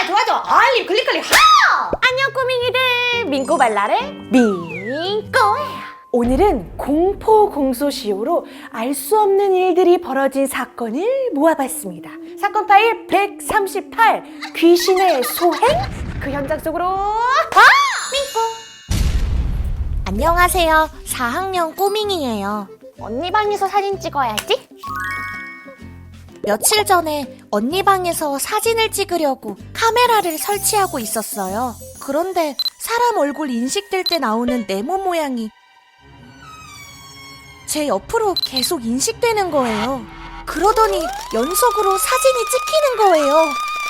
좋아요, 알림, 클릭, 하! 안녕 꼬밍이들, 민꼬발랄의 민꼬예요. 오늘은 공포 공소시효로 알 수 없는 일들이 벌어진 사건을 모아봤습니다. 사건 파일 138 귀신의 소행, 그 현장 속으로 민꼬. 안녕하세요. 4학년 꼬밍이에요. 언니 방에서 사진 찍어야지. 며칠 전에 언니 방에서 사진을 찍으려고 카메라를 설치하고 있었어요. 그런데 사람 얼굴 인식될 때 나오는 네모 모양이 제 옆으로 계속 인식되는 거예요. 그러더니 연속으로 사진이 찍히는 거예요.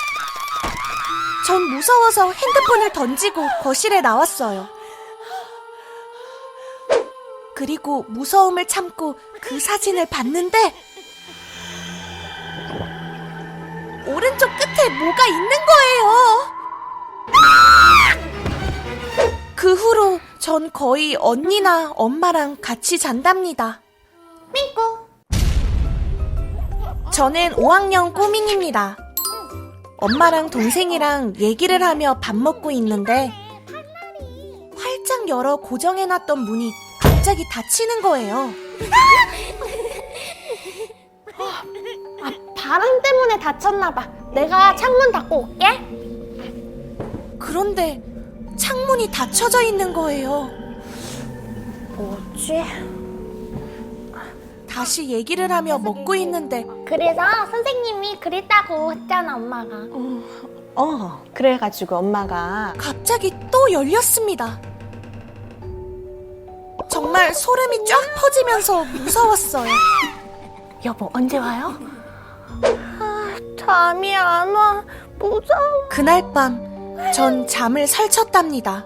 전 무서워서 핸드폰을 던지고 거실에 나왔어요. 그리고 무서움을 참고 그 사진을 봤는데 오른쪽 끝에 뭐가 있는 거예요. 그 후로 전 거의 언니나 엄마랑 같이 잔답니다. 민꼬. 저는 5학년 꼬밍입니다. 엄마랑 동생이랑 얘기를 하며 밥 먹고 있는데 활짝 열어 고정해놨던 문이 갑자기 닫히는 거예요. 바람 때문에 다쳤나봐. 내가 창문 닫고 올게. 그런데 창문이 닫혀져 있는 거예요. 뭐지? 다시 얘기를 하며 먹고 있는데 그래서 선생님이 그랬다고 했잖아, 엄마가. 그래가지고 엄마가 갑자기 또 열렸습니다. 정말 소름이 쫙 퍼지면서 무서웠어요. 여보, 언제 와요? 잠이 안 와. 무서워. 그날 밤 전 잠을 설쳤답니다.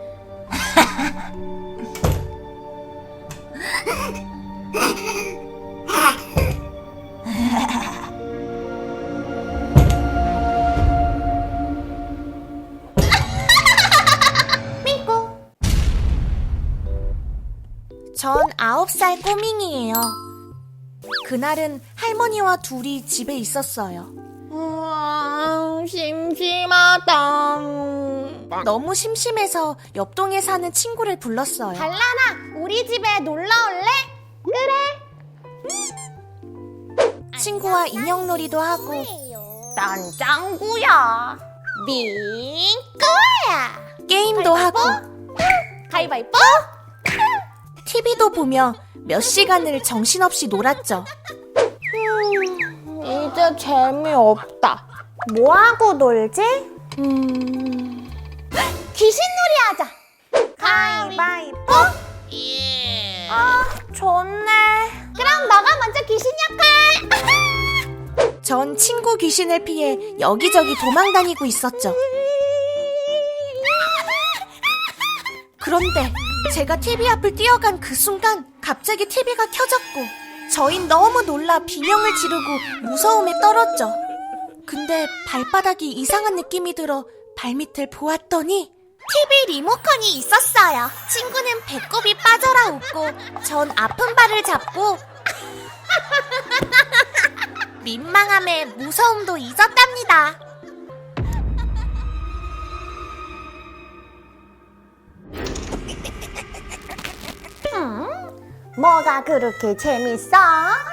민꼬. 전 9살 꼬밍이에요. 그날은 할머니와 둘이 집에 있었어요. 심심하다. 너무 심심해서 옆동에 사는 친구를 불렀어요. 달란아, 우리 집에 놀러 올래? 친구와 인형놀이도 하고 난 짱구야. 민꼬야. 게임도 하고 가위바위보. TV도 보며 몇 시간을 정신없이 놀았죠. 이제 재미없다. 뭐하고 놀지? 귀신놀이 하자. 가위바위보. 좋네. 그럼 너가 먼저 귀신 역할. 전 친구 귀신을 피해 여기저기 도망다니고 있었죠. 그런데 제가 TV 앞을 뛰어간 그 순간 갑자기 TV가 켜졌고 저흰 너무 놀라 비명을 지르고 무서움에 떨었죠. 근데 발바닥이 이상한 느낌이 들어 발밑을 보았더니 TV 리모컨이 있었어요. 친구는 배꼽이 빠져라 웃고 전 아픈 발을 잡고 민망함에 무서움도 잊었답니다. 뭐가 그렇게 재밌어?